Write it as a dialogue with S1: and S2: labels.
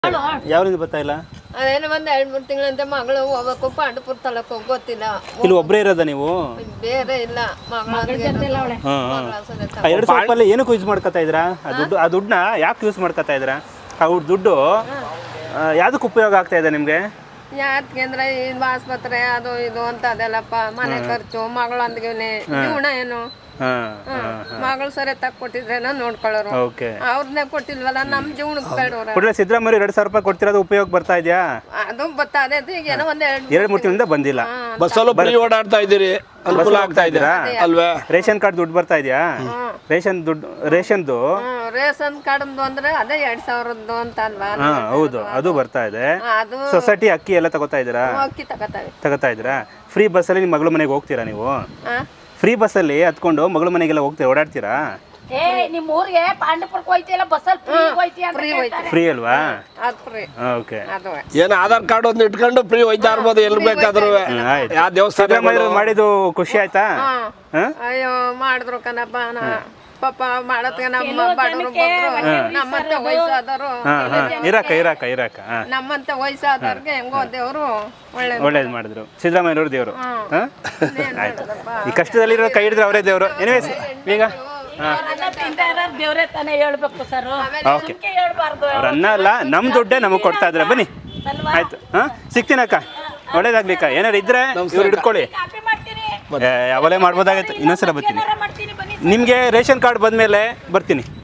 S1: ಯಾವ್ರಿಂದ ಬರ್ತಾ ಇಲ್ಲ?
S2: ಅದೇನೋ ಒಂದ್ 2-3 ತಿಂಗಳಂತೆ ಮಗಳು ಹೋಗ್ಬೇಕು ಪಾಂಡಪುರ ತಾಲೂಕು ಗೊತ್ತಿಲ್ಲ.
S1: ಇಲ್ಲಿ ಒಬ್ಬರೇ ಇರೋದ ನೀವು?
S2: ಬೇರೆ ಇಲ್ಲ ಮಗಳ
S1: ಎರಡು ಸಾವಿರ ಏನಕ್ಕೆ ಯೂಸ್ ಮಾಡ್ಕೊತಾ ಇದ್ರಾ? ಆ ದುಡ್ಡನ್ನ ಯಾಕೆ ಯೂಸ್ ಮಾಡ್ಕೊತಾ ಇದ್ರಾ? ಅವ್ರ ದುಡ್ಡು ಯಾವ್ದಕ್ಕೆ ಉಪಯೋಗ ಆಗ್ತಾ ಇದೆ ನಿಮ್ಗೆ?
S2: ಯಾಕೆ ಅಂದ್ರೆ ಇದು ಆಸ್ಪತ್ರೆ ಅದು ಇದು ಅಂತ ಅದೆಲ್ಲಪ್ಪ, ಮನೆ ಖರ್ಚು, ಮಗಳೊಂದಿಗೆ ಜೀವನ ಏನು. ಮಗಳು ಸರಿ ತಕ್ಕೊಟ್ಟಿದ್ರೆ ನೋಡ್ಕೊಳ್ಳೋರು, ಅವ್ರನ್ನೇ ಕೊಟ್ಟಿಲ್ವಲ್ಲ, ನಮ್ ಜೀವನಕ್ಕೆ ಬೇಡವ್ರ.
S1: ಸಿದ್ದರಾಮಯ್ಯ 2,000 ರೂಪಾಯಿ ಕೊಡ್ತಿರೋದು ಉಪಯೋಗ ಬರ್ತಾ ಇದೆಯಾ?
S2: ಅದು ಬರ್ತಾ ಇದೆ. ಈಗ ಏನೋ ಒಂದ್
S1: 2-3 ತಿಂಗಳಿಂದ ಬಂದಿಲ್ಲ.
S3: ಬಸ್ಸಲ್ಲೂ ಬರೀ ಓಡಾಡ್ತಾ ಇದ್ದೀರಿ, ಅನುಕೂಲ ಆಗ್ತಾ ಇದ್ದೀರಾ ಅಲ್ವೇ?
S1: ರೇಷನ್ ಕಾರ್ಡ್ ದುಡ್ಡು ಬರ್ತಾ ಇದೆಯಾ? ರೇಷನ್ದು
S2: ರೇಷನ್ ಕಾರ್ಡ್ ಅಂದ್ರೆ ಅದೇ 2,000 ಅಂತ ಅಲ್ವಾ?
S1: ಹೌದು, ಅದು ಬರ್ತಾ ಇದೆ.
S2: ಅದು
S1: ಸೊಸೈಟಿ ಅಕ್ಕಿ ಎಲ್ಲ ತಗೋತಾ ಇದ್ದೀರಾ?
S2: ಅಕ್ಕಿ
S1: ತಗೋತಾ ಇದ್ದೀರಾ? ಫ್ರೀ ಬಸ್ಸಲ್ಲಿ ನಿಮ್ಮ ಮಗಳ ಮನೆಗೆ ಹೋಗ್ತೀರಾ ನೀವು? ಫ್ರೀ ಬಸ್ಸಲ್ಲಿ ಹತ್ಕೊಂಡು ಮಗಳ ಮನೆಗೆಲ್ಲ ಹೋಗ್ತೀರಾ, ಓಡಾಡ್ತೀರಾ?
S4: ನಿಮ್ಮ ಊರಿಗೆ ಪಾಂಡಪುರಕ್ಕೆ ಹೋಯ್ತಿಲ್ಲ, ಬಸ್ಸಲ್ಲಿ
S1: ಫ್ರೀ ಅಲ್ವಾ?
S2: ಓಕೆ.
S3: ಏನು ಆಧಾರ್ ಕಾರ್ಡ್ ಒಂದು ಇಟ್ಕೊಂಡು ಫ್ರೀ ಹೋಯ್ತಾ ಇರ್ಬೋದು ಎಲ್ಲಿ ಬೇಕಾದ್ರೂ. ಯಾವ ದೇವಸ್ಥಾನ
S1: ಮಾಡಿದ್ದು ಖುಷಿ ಆಯ್ತಾ?
S2: ಅಯ್ಯೋ ಮಾಡಿದ್ರು ಕಣಪ್ಪ, ಪಾಪ ಮಾಡತ್ಗೆ ನಮ್ಮ ಬಡವರು ಬಂದ್ರು, ನಮ್ಮಂತ ವಯಸ್ಸಾದವರು
S1: ಇರಾಕ
S2: ನಮ್ಮಂತ ವಯಸ್ಸಾದವ್ರಿಗೆ ಹೆಂಗೋ ದೇವ್ರು
S1: ಒಳ್ಳೇದು ಮಾಡಿದ್ರು. ಸಿದ್ದರಾಮಯ್ಯನವ್ರ ದೇವರು. ಆಯ್ತು, ಈ ಕಷ್ಟದಲ್ಲಿರೋ ಕೈ ಹಿಡಿದ್ರೆ ಅವರೇ ದೇವರು. ಎನಿವೇಸ್, ಈಗ
S4: ದೇವ್ರೆ ತಾನೇ ಹೇಳ್ಬೇಕು ಸರ್,
S1: ಓಕೆ. ಅವ್ರನ್ನ ಅಲ್ಲ, ನಮ್ಮ ದುಡ್ಡೇ ನಮಗೆ ಕೊಡ್ತಾ ಇದ್ರೆ ಬನ್ನಿ. ಆಯ್ತು, ಸಿಗ್ತೀನಕ್ಕ, ಒಳ್ಳೇದಾಗ್ಲಿಕ್ಕ. ಏನಾರು ಇದ್ರೆ ಇವ್ರು ಹಿಡ್ಕೊಳ್ಳಿ. ಯಾವಲೇ ಮಾಡ್ಬೋದಾಗತ್ತೆ. ಇನ್ನೊಂದ್ಸಲ ಬರ್ತೀನಿ. ನಿಮಗೆ ರೇಷನ್ ಕಾರ್ಡ್ ಬಂದಮೇಲೆ ಬರ್ತೀನಿ.